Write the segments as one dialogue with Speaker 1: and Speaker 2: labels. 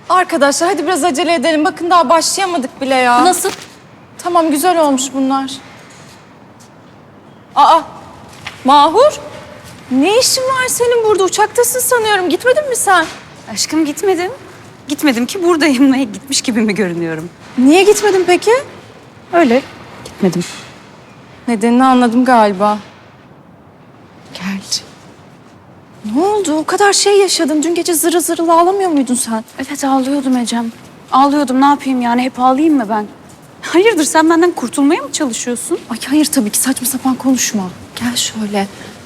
Speaker 1: Arkadaşlar hadi biraz acele edelim. Bakın daha başlayamadık bile ya.
Speaker 2: Nasıl?
Speaker 1: Tamam güzel olmuş bunlar. Aa, Mahur. Ne işin var senin burada? Uçaktasın sanıyorum. Gitmedin mi sen?
Speaker 2: Aşkım gitmedim. Gitmedim ki buradayım. Gitmiş gibi mi görünüyorum?
Speaker 1: Niye gitmedin peki?
Speaker 2: Öyle gitmedim.
Speaker 1: Nedenini anladım galiba. Gel. Ne oldu? O kadar şey yaşadın. Dün gece zırıl zırıl ağlamıyor muydun sen?
Speaker 2: Evet ağlıyordum Ecem. Ağlıyordum, ne yapayım yani, hep ağlayayım mı ben? Hayırdır, sen benden kurtulmaya mı çalışıyorsun?
Speaker 1: Ay hayır tabii ki saçma sapan konuşma. Gel şöyle.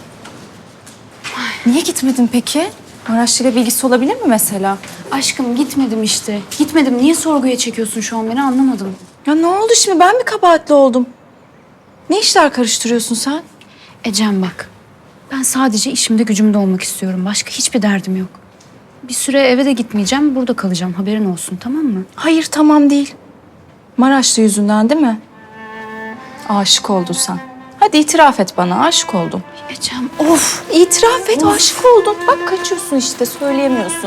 Speaker 1: Niye gitmedin peki? Maraşlı'yla bilgisi olabilir mi mesela?
Speaker 2: Aşkım gitmedim işte. Gitmedim. Niye sorguya çekiyorsun şu an beni, anlamadım.
Speaker 1: Ya ne oldu şimdi? Ben mi kabahatli oldum? Ne işler karıştırıyorsun sen?
Speaker 2: Ecem bak. Ben sadece işimde gücümde olmak istiyorum. Başka hiçbir derdim yok. Bir süre eve de gitmeyeceğim. Burada kalacağım. Haberin olsun, tamam mı?
Speaker 1: Hayır tamam değil. Maraşlı yüzünden değil mi? Aşık oldun sen. Hadi itiraf et bana aşık oldun.
Speaker 2: Ecem
Speaker 1: Of itiraf et aşık oldun. Bak kaçıyorsun işte söyleyemiyorsun.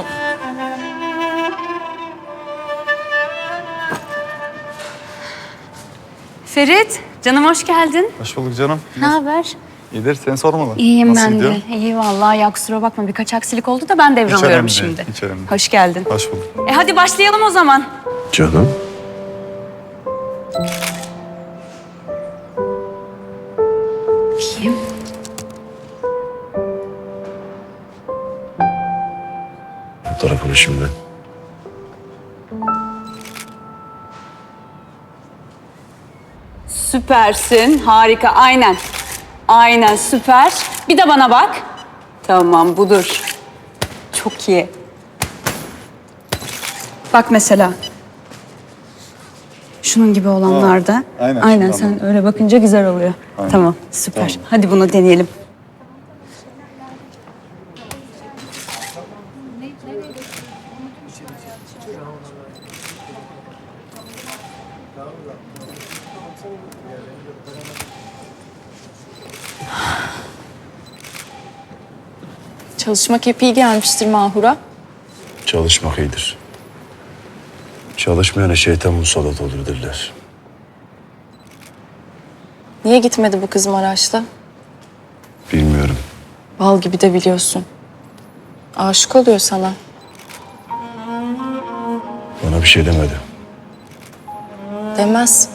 Speaker 2: Ferit, canım hoş geldin.
Speaker 3: Hoş bulduk canım.
Speaker 2: Ne haber?
Speaker 3: İyidir, seni sormalı.
Speaker 2: İyiyim
Speaker 3: Nasıl
Speaker 2: ben
Speaker 3: gidiyor?
Speaker 2: de. İyi vallahi, ya kusura bakma, birkaç aksilik oldu da ben
Speaker 3: Hiç
Speaker 2: devralıyorum
Speaker 3: önemli
Speaker 2: şimdi.
Speaker 3: değil, hiç önemli değil.
Speaker 2: Hoş geldin.
Speaker 3: Hoş bulduk.
Speaker 2: Hadi başlayalım o zaman.
Speaker 4: Canım.
Speaker 2: Kim?
Speaker 4: Fotoğrafını şimdi.
Speaker 2: Süpersin, harika, aynen. Aynen, süper. Bir de bana bak. Tamam, budur. Çok iyi. Bak mesela. Şunun gibi olanlarda.
Speaker 3: aynen,
Speaker 2: Aynen,
Speaker 3: şundan
Speaker 2: sen öyle bakınca güzel oluyor.
Speaker 3: Aynen.
Speaker 2: Tamam, süper.
Speaker 3: Tamam.
Speaker 2: Hadi bunu deneyelim.
Speaker 1: Çalışmak hep iyi gelmiştir Mahur'a.
Speaker 4: Çalışmak iyidir. Çalışmayana şeytan musallat olur derler.
Speaker 1: Niye gitmedi bu kız Maraş'ta?
Speaker 4: Bilmiyorum.
Speaker 1: Bal gibi de biliyorsun. Aşık oluyor sana.
Speaker 4: Bana bir şey demedi.
Speaker 1: Demez.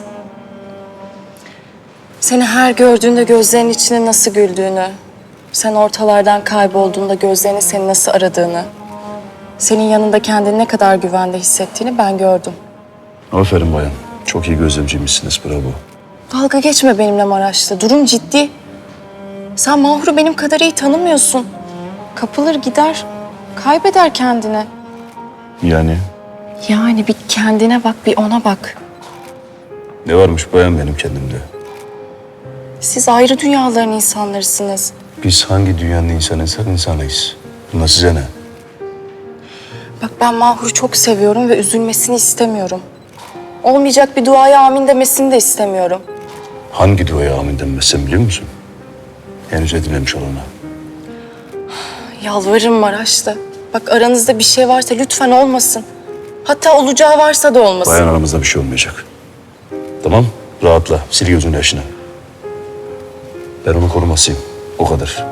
Speaker 1: Seni her gördüğünde gözlerinin içine nasıl güldüğünü, sen ortalardan kaybolduğunda gözlerinin seni nasıl aradığını, senin yanında kendini ne kadar güvende hissettiğini ben gördüm.
Speaker 4: Aferin bayan. Çok iyi gözlemciymişsiniz, bravo.
Speaker 1: Dalga geçme benimle Maraşlı. Durum ciddi. Sen Mahur'u benim kadar iyi tanımıyorsun. Kapılır gider, kaybeder kendini.
Speaker 4: Yani
Speaker 1: Yani bir kendine bak, bir ona bak.
Speaker 4: ne varmış bayan benim kendimde?
Speaker 1: Siz ayrı dünyaların insanlarısınız.
Speaker 4: Biz hangi dünyanın insanıysak insanıyız. Buna size ne?
Speaker 1: Bak ben Mahur'u çok seviyorum ve üzülmesini istemiyorum. Olmayacak bir duaya amin demesini de istemiyorum.
Speaker 4: Hangi duaya amin denmezsen biliyor musun? Henüz edinmemiş olana.
Speaker 1: Yalvarırım Maraşlı. Bak aranızda bir şey varsa lütfen olmasın. Hatta olacağı varsa da olmasın.
Speaker 4: Bayan aramızda bir şey olmayacak. Tamam, rahatla. Sil gözünün yaşını. Ben onu korumasıyım. O kadar.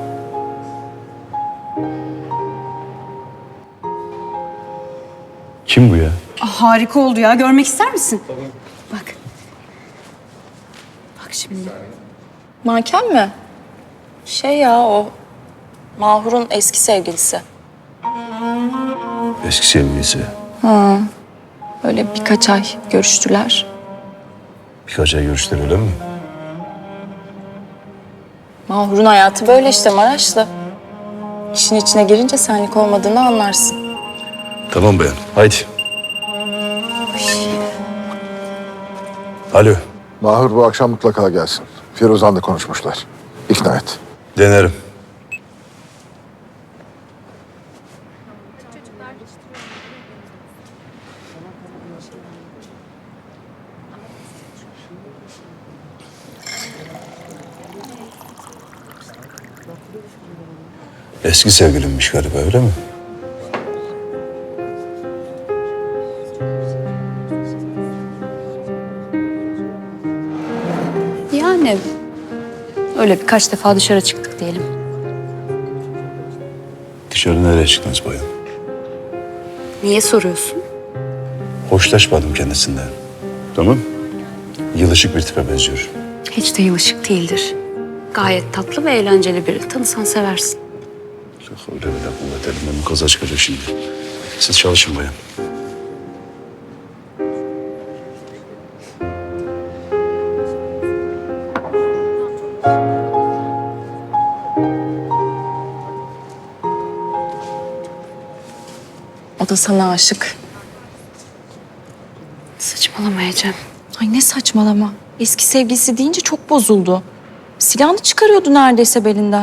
Speaker 4: Kim bu ya?
Speaker 2: Harika oldu ya. Görmek ister misin? Bak. Bak şimdi.
Speaker 1: Manken mi? Şey ya o Mahur'un eski sevgilisi.
Speaker 4: Eski sevgilisi.
Speaker 1: Öyle birkaç ay görüştüler.
Speaker 4: Birkaç ay görüştüler öyle mi?
Speaker 1: Mahur'un hayatı böyle işte Maraşlı. İşin içine girince senlik olmadığını anlarsın.
Speaker 4: Tamam bayan. Haydi. Alo.
Speaker 5: Mahur bu akşam mutlaka gelsin. Firuzan'la konuşmuşlar. İkna et.
Speaker 4: Denerim. Eski sevgilimmiş galiba öyle mi?
Speaker 2: Yani öyle birkaç defa dışarı çıktık diyelim.
Speaker 4: Dışarı nereye çıktınız bayan?
Speaker 2: Niye soruyorsun?
Speaker 4: Hoşlaşmadım kendisinden. Tamam. Yılışık bir tipe benziyor.
Speaker 2: Hiç de yılışık değildir. Gayet tatlı ve eğlenceli biri. Tanısan seversin.
Speaker 4: Yok öyle bile kuvvet elimden kaza çıkacak şimdi. Siz çalışın bayan.
Speaker 1: O da sana aşık.
Speaker 2: Saçmalamayacağım.
Speaker 1: Ay ne saçmalama. Eski sevgilisi deyince çok bozuldu. Silahını çıkarıyordu neredeyse belinden.